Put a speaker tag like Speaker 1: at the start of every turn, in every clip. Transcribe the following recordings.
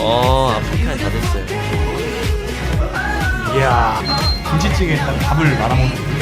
Speaker 1: 아프리카는 다 됐어요.
Speaker 2: 이야, 김치찌개에다가 밥을 말아먹는 거.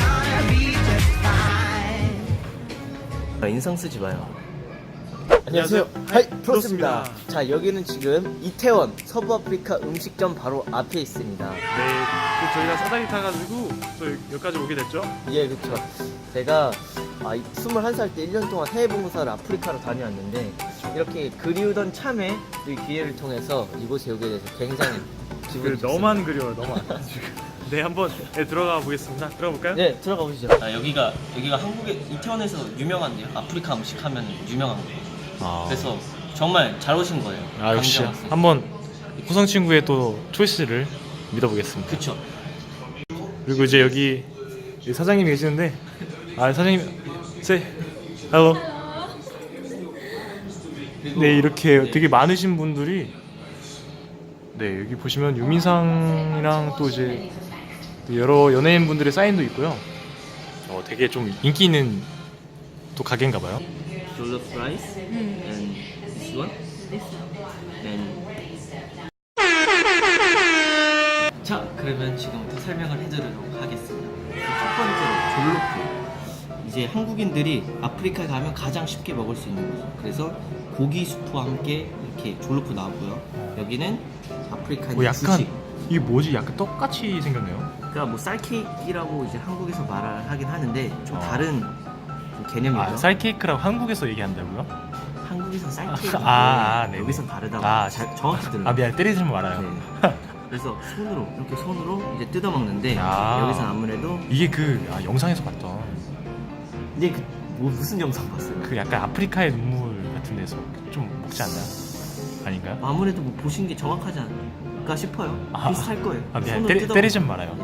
Speaker 1: 인상 쓰지 마요.
Speaker 3: 안녕하세요. 하이 프로스입니다. 자, 여기는 지금 이태원 서부 아프리카 음식점 바로 앞에 있습니다.
Speaker 2: 네, 저희가 싸다기 타가지고 저 여기까지 오게 됐죠.
Speaker 3: 예, 그렇죠. 제가 21살 때 1년 동안 해외 봉사를 아프리카로 다녀왔는데 이렇게 그리우던 참에 이 기회를 통해서 이곳에 오게 돼서 굉장히 기분이 좋습니다.
Speaker 2: 너만 그리워요, 너만. 지금. 네, 한번 들어가 보겠습니다. 들어가 볼까요?
Speaker 3: 네, 들어가 보시죠.
Speaker 1: 여기가 한국의 이태원에서 유명한데요. 아프리카 음식 하면 유명한 거예요. 그래서 정말 잘 오신 거예요.
Speaker 2: 역시
Speaker 1: 강정 학생.
Speaker 2: 한번 호성 친구의 또 초이스를 믿어보겠습니다.
Speaker 1: 그쵸.
Speaker 2: 그리고 이제 여기 사장님이 계시는데, 사장님, hello. 네, 이렇게 되게 많으신 분들이, 네, 여기 보시면 유민상이랑 또 이제 여러 연예인 분들의 사인도 있고요. 되게 좀 인기 있는 또 가게인가봐요.
Speaker 1: Jollof rice and this one. And 자, 그러면 지금부터 설명을 해드리도록 하겠습니다. 첫 번째로 졸로프. 이제 한국인들이 아프리카에 가면 가장 쉽게 먹을 수 있는 거죠. 그래서 고기 수프와 함께 이렇게 졸로프 나오고요. 여기는 아프리카의
Speaker 2: 약간
Speaker 1: 주식.
Speaker 2: 이게 뭐지? 약간 떡같이 생겼네요.
Speaker 1: 그러니까 뭐 쌀케이크라고 이제 한국에서 말을 하긴 하는데 좀 다른 좀 개념이죠.
Speaker 2: 쌀케이크라고 한국에서 얘기한다고요?
Speaker 1: 한국에서는 쌀케이크.
Speaker 2: 네네.
Speaker 1: 여기선 다르다고. 정확히 들어요.
Speaker 2: 미안해, 때리지 말아요.
Speaker 1: 네. 그래서 이렇게 손으로 이제 뜯어 먹는데 여기선 아무래도
Speaker 2: 이게 영상에서 봤던
Speaker 1: 근데 무슨 영상 봤어요?
Speaker 2: 그 약간 아프리카의 눈물 같은 데서 좀 먹지 않나요? 아닌가요?
Speaker 1: 아무래도 뭐 보신 게 정확하지 않을까 싶어요. 비슷할 거예요.
Speaker 2: 미안해,
Speaker 1: 손으로 뜯어
Speaker 2: 때리지 말아요.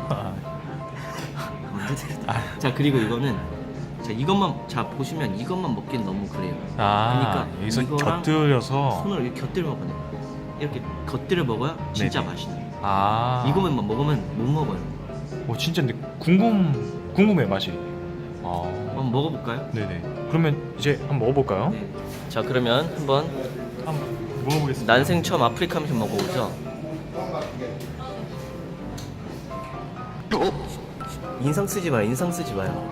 Speaker 1: 언제 때렸다. 자, 그리고 이거는 보시면 이것만 먹기는 너무 그래요. 그러니까
Speaker 2: 여기서
Speaker 1: 이거랑
Speaker 2: 곁들여서
Speaker 1: 손으로 이렇게 곁들여 먹어요. 이렇게 곁들여 먹어야 진짜
Speaker 2: 네네.
Speaker 1: 맛있는.
Speaker 2: 이거만
Speaker 1: 먹으면 못 먹어요.
Speaker 2: 진짜 근데 궁금해 맛이.
Speaker 1: 한번 먹어볼까요?
Speaker 2: 네네. 그러면 이제 한번 먹어볼까요?
Speaker 1: 네. 자, 그러면 한번
Speaker 2: 한번 먹어보겠습니다.
Speaker 1: 난생 처음 아프리카 음식 먹어보죠. 인상 쓰지 마요.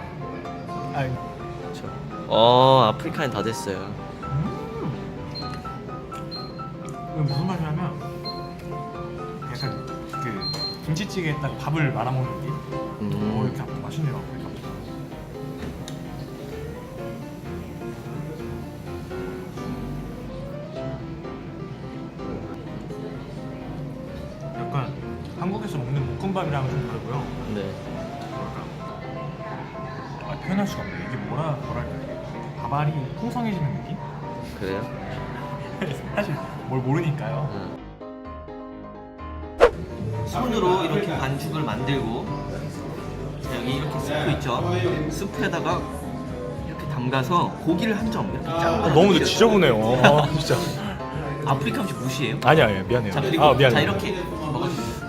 Speaker 1: 아프리카는 다 됐어요.
Speaker 2: 이건 무슨 맛이냐면 약간 김치찌개에다가 밥을 말아먹는 느낌? 이렇게 맛있네요. 아프리카. 약간 한국에서 먹는 볶음밥이랑은 좀 다르고요.
Speaker 1: 네.
Speaker 2: 표현할 수가 없네. 이게 뭐랄까, 밥알이 풍성해지는 느낌?
Speaker 1: 그래요?
Speaker 2: 사실 뭘 모르니까요.
Speaker 1: 손으로 이렇게 반죽을 만들고 여기 이렇게 스프 있죠? 스프에다가 이렇게 담가서 고기를 한 점 이렇게 짠.
Speaker 2: 너무 지저분해요. 진짜.
Speaker 1: 아프리카 음식 무시해요?
Speaker 2: 아니야, 미안해요.
Speaker 1: 자, 그리고
Speaker 2: 미안해요.
Speaker 1: 자, 이렇게 먹어주세요.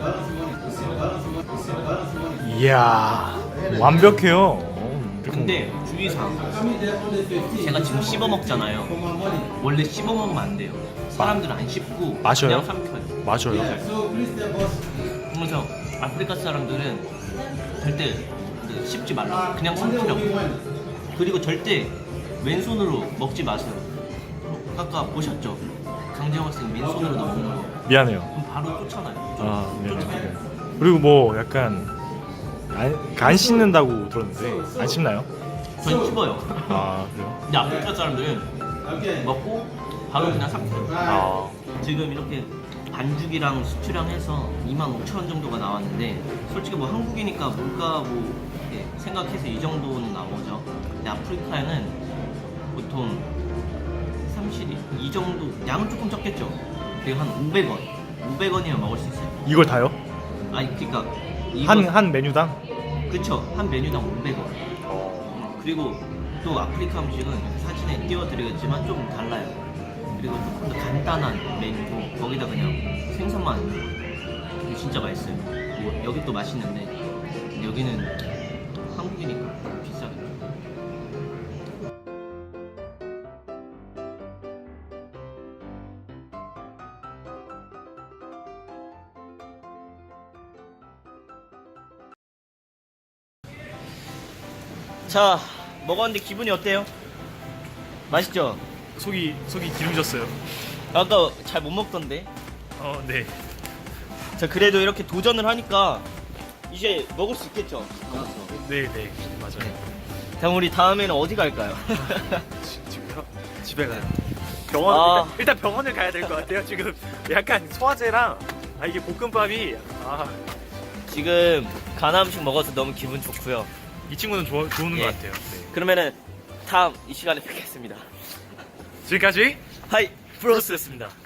Speaker 2: 이야, 완벽해요.
Speaker 1: 근데 주의사항, 제가 지금 씹어 먹잖아요. 원래 씹어 먹으면 안 돼요. 사람들은 안 씹고
Speaker 2: 마셔요?
Speaker 1: 그냥 삼켜요.
Speaker 2: 맞아요.
Speaker 1: 그래서 아프리카 사람들은 절대 씹지 말라고 그냥 삼키라고. 그리고 절대 왼손으로 먹지 마세요. 아까 보셨죠? 강재영 학생 왼손으로 먹는 거.
Speaker 2: 미안해요.
Speaker 1: 그럼 바로 쫓아나요.
Speaker 2: 미안해요. 그리고 뭐 약간 안 씻는다고 들었는데 안 씹나요?
Speaker 1: 전 씹어요.
Speaker 2: 그래요?
Speaker 1: 근데 아프리카 사람들은 먹고 바로 그냥 삼켜요. 지금 이렇게 반죽이랑 수치랑 해서 25,000원 정도가 나왔는데 솔직히 뭐 한국이니까 물가 이렇게 생각해서 이 정도는 나오죠. 근데 아프리카에는 보통 30이 이 정도 양은 조금 적겠죠. 그리고 한 500원이면 먹을 수 있어요.
Speaker 2: 이걸 다요?
Speaker 1: 그러니까
Speaker 2: 한 메뉴당?
Speaker 1: 그쵸. 한 메뉴당 500원. 그리고 또 아프리카 음식은 사진에 띄워드리겠지만 좀 달라요. 그리고 조금 더 간단한 메뉴고 거기다 그냥 생선만 이게 진짜 맛있어요. 뭐 여기 또 맛있는데 여기는 한국이니까 비싸겠죠. 자, 먹었는데 기분이 어때요? 맛있죠?
Speaker 2: 속이 기름졌어요.
Speaker 1: 아까 잘 못 먹던데.
Speaker 2: 네.
Speaker 1: 자, 그래도 이렇게 도전을 하니까 이제 먹을 수 있겠죠?
Speaker 2: 네, 맞아요.
Speaker 1: 그럼 우리 다음에는 어디 갈까요?
Speaker 2: 지금요? 집에 가요. 병원 일단 병원을 가야 될 것 같아요. 지금 약간 소화제랑 이게 볶음밥이
Speaker 1: 지금 가나 음식 먹어서 너무 기분 좋고요.
Speaker 2: 이 친구는 좋은
Speaker 1: 예.
Speaker 2: 것 같아요. 네.
Speaker 1: 그러면은 다음 이 시간에 뵙겠습니다.
Speaker 2: 지금까지
Speaker 1: 하이
Speaker 2: 프로스였습니다.